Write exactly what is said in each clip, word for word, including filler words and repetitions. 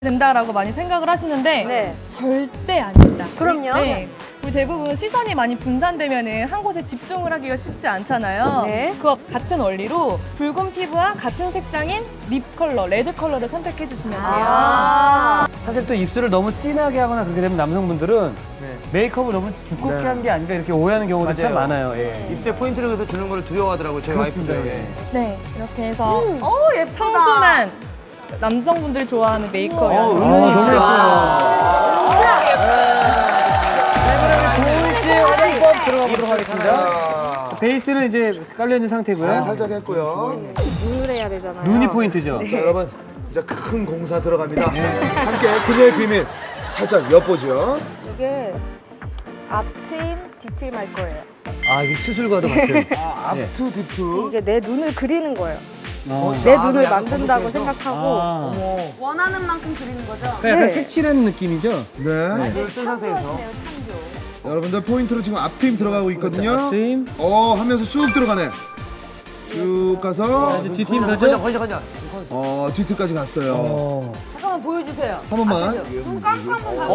된다라고 많이 생각을 하시는데 네. 절대 아닙니다. 그럼요. 네. 우리 대부분 시선이 많이 분산되면은 한 곳에 집중을 하기가 쉽지 않잖아요. 네. 그와 같은 원리로 붉은 피부와 같은 색상인 립 컬러, 레드 컬러를 선택해 주시면 돼요. 아 사실 또 입술을 너무 진하게 하거나 그렇게 되면 남성분들은 메이크업을 너무 두껍게 네. 한 게 아닌가 이렇게 오해하는 경우도 참 맞아요. 많아요. 예. 입술에 포인트를 그래서 주는 걸 두려워하더라고요, 저희 그렇습니다. 와이프도. 예. 네, 이렇게 해서 오 예쁘다. 청순한 남성분들이 좋아하는 메이크업이어서 어, 너무 예뻐요. 도훈 씨의 화장법 들어가 보도록 하겠습니다. 베이스는 이제 깔려 있는 상태고요. 네, 살짝 했고요. 눈을 해야 되잖아요. 눈이 포인트죠. 자, 여러분, 이제 큰 공사 들어갑니다. 함께 그녀의 비밀 살짝 엿보죠. 이게 앞팀, 뒤팀 할 거예요. 아, 이게 수술과도 같은. 아, 예. 앞투, 뒤투. 이게 내 눈을 그리는 거예요. 어. 내 아, 눈을 약간 만든다고 검색해서? 생각하고 아. 원하는 만큼 그리는 거죠? 그러니까 약간 네. 색칠한 느낌이죠? 네. 네. 쓴 상태에서. 여러분들 포인트로 지금 앞팀 들어가고 있거든요. 팀. 어, 하면서 쭉 들어가네. 쭉 가서 이제 뒷팀 가죠? 어, 뒤트까지 갔어요. 어. 잠깐만 보여주세요. 한 번만. 눈 깜깜 한번 봐주세요.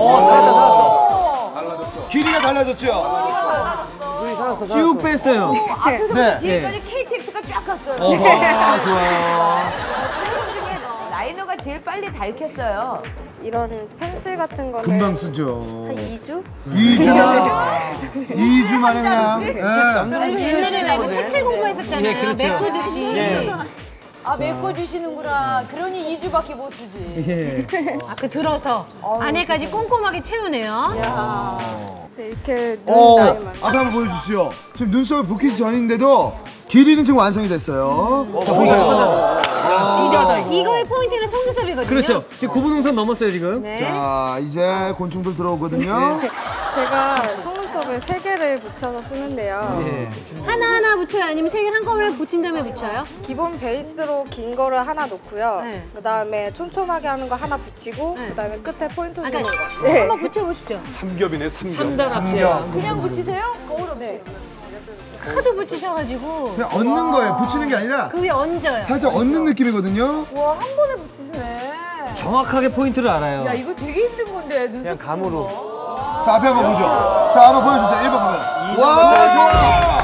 어, 길이가 달라졌죠? 쭉 뺐어요. 앞에서부터 네. 뒤에까지 케이티엑스가 쫙 갔어요. 아, 좋아요. 셀럽 중에 라이너가 제일 빨리 닳겠어요. 이런 펜슬 같은 거는 금방 쓰죠. 한 이 주? 이 주만, 이 주 만에 그냥. 예. 그리고 옛날에 왜 그 색칠 공부했었잖아요. 예, 그렇죠. 메꾸듯이. 예. 아 메꿔주시는구나. 그러니 이 주밖에 못 쓰지. 예. 아, 그 들어서 안에까지 꼼꼼하게 채우네요. 네, 이렇게 눈 어, 라인만. 앞에 한번 보여주시죠. 지금 눈썹을 붓기 전인데도 길이는 지금 완성이 됐어요. 자, 보세요. 이제 이거의 포인트는 속눈썹이거든요. 그렇죠. 지금 구분홍선 넘었어요, 지금. 네. 자, 이제 곤충들 들어오거든요. 제가 속눈썹을 세 개를 붙여서 쓰는데요. 예. 하나하나 붙여요? 아니면 세 개를 한꺼번에 붙인 다음에 붙여요? 기본 베이스로 긴 거를 하나 놓고요. 네. 그다음에 촘촘하게 하는 거 하나 붙이고 네. 그다음에 끝에 포인트 아, 주는 그러니까 거. 네. 한번 붙여보시죠. 삼겹. 그냥 붙이세요? 거울로 네. 하도 붙이셔가지고 그냥 얹는 거예요. 붙이는 게 아니라 그 위에 얹어요. 살짝 얹는 느낌이거든요. 와 한 번에 붙이시네. 정확하게 포인트를 알아요. 야 이거 되게 힘든 건데 눈썹 그냥 감으로. 자, 앞에 한번 보죠. 자, 한번 보여주세요. 일 번 가면. 와, 좋아.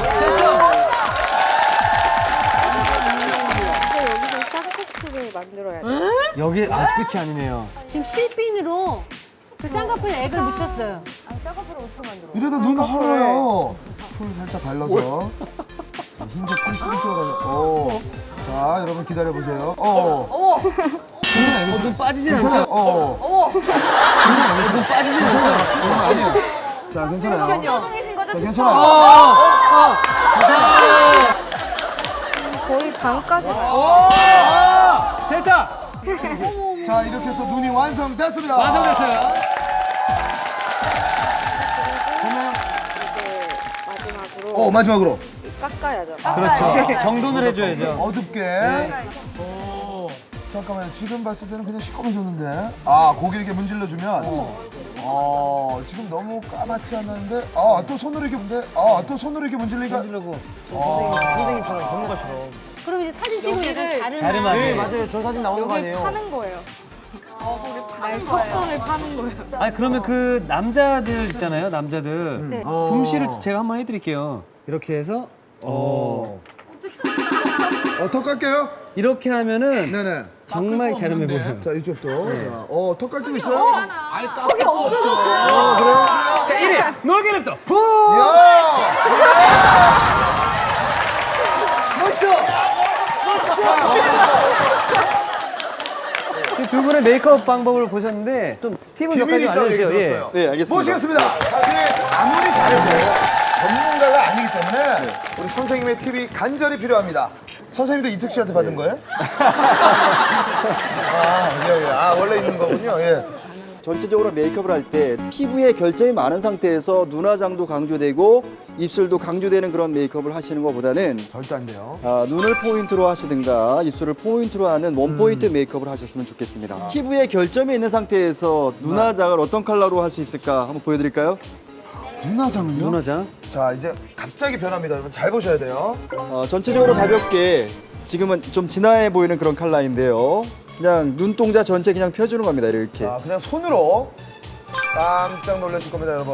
근데 여기서 쌍꺼풀을 만들어야 돼요. 여기 아직 끝이 아니네요. 지금 실핀으로 그 쌍꺼풀 액을 묻혔어요. 아 쌍꺼풀을 어떻게 만들어? 이러다 눈 헐어요. 풀 살짝 발라서. 자, 흰색 풀 싱크가 발라. 오. 자, 여러분 기다려보세요. 어. 어머. 괜찮아요, 괜찮아요. 눈 빠지진 괜찮아요. 않죠? 어. 어머. 괜찮아요, 괜찮아요. 빠지진 않아요. 그런 거 아니에요. 자, 괜찮아요. 중이신 거죠? 자, 지금? 괜찮아요. 거의 반까지 가요. 오! 됐다! 자, 이렇게 해서 눈이 완성됐습니다. 완성됐어요. 그러면 이제 마지막으로 어, 마지막으로 깎아야죠. 그렇죠. 정돈을 해줘야죠. 어둡게. 오. 잠깐만요. 지금 봤을 때는 그냥 시꺼매졌는데. 아, 고기 이렇게 문질러주면. 어, 지금 너무 까맣지 않았는데. 아, 또 손으로 이렇게 문데. 아, 또 손으로 이렇게 문질리니까. 만들려고. 선생님처럼 전문가처럼. 그럼 이제 사진 찍으면 약간 다른 다르면 네, 맞아요. 저 사진 나오는 여기 파는 거예요. 파는 거예요. 턱선을 파는 거예요. 아니 그러면 그 남자들 있잖아요. 남자들. 네. 어. 붐씨를 제가 한번 해드릴게요. 이렇게 해서 어 어, 턱 깎게요? 이렇게 하면은 네네. 정말 갸름해 보여요. 자, 이쪽도. 자, 어, 턱 깎이고 있어요? 턱이 없어졌어요. 어, 그래요? 자, 일 위 놀개는 또. 야! 그두 분의 메이크업 방법을 보셨는데 좀 팁을 몇 가지 비밀이 있다고 얘기 알려주세요. 예. 들었어요. 네, 알겠습니다. 모시겠습니다. 사실 아무리 잘해도 전문가가 아니기 때문에 우리 선생님의 팁이 간절히 필요합니다. 선생님도 이특 씨한테 받은 거예요? 아, 예, 예. 아, 원래 있는 거군요. 예. 전체적으로 메이크업을 할 때 피부에 결점이 많은 상태에서 눈화장도 강조되고 입술도 강조되는 그런 메이크업을 하시는 것보다는 절대 안 돼요. 아, 눈을 포인트로 하시든가 입술을 포인트로 하는 원포인트 메이크업을 하셨으면 좋겠습니다. 피부에 결점이 있는 상태에서 눈화장을 어떤 컬러로 할 수 있을까 한번 보여드릴까요? 눈화장은요? 눈화장. 자, 이제 갑자기 변합니다. 여러분 잘 보셔야 돼요. 어, 전체적으로 가볍게 지금은 좀 진화해 보이는 그런 컬러인데요. 그냥 눈동자 전체 그냥 펴주는 겁니다. 이렇게. 아, 그냥 손으로 깜짝 놀라실 겁니다, 여러분.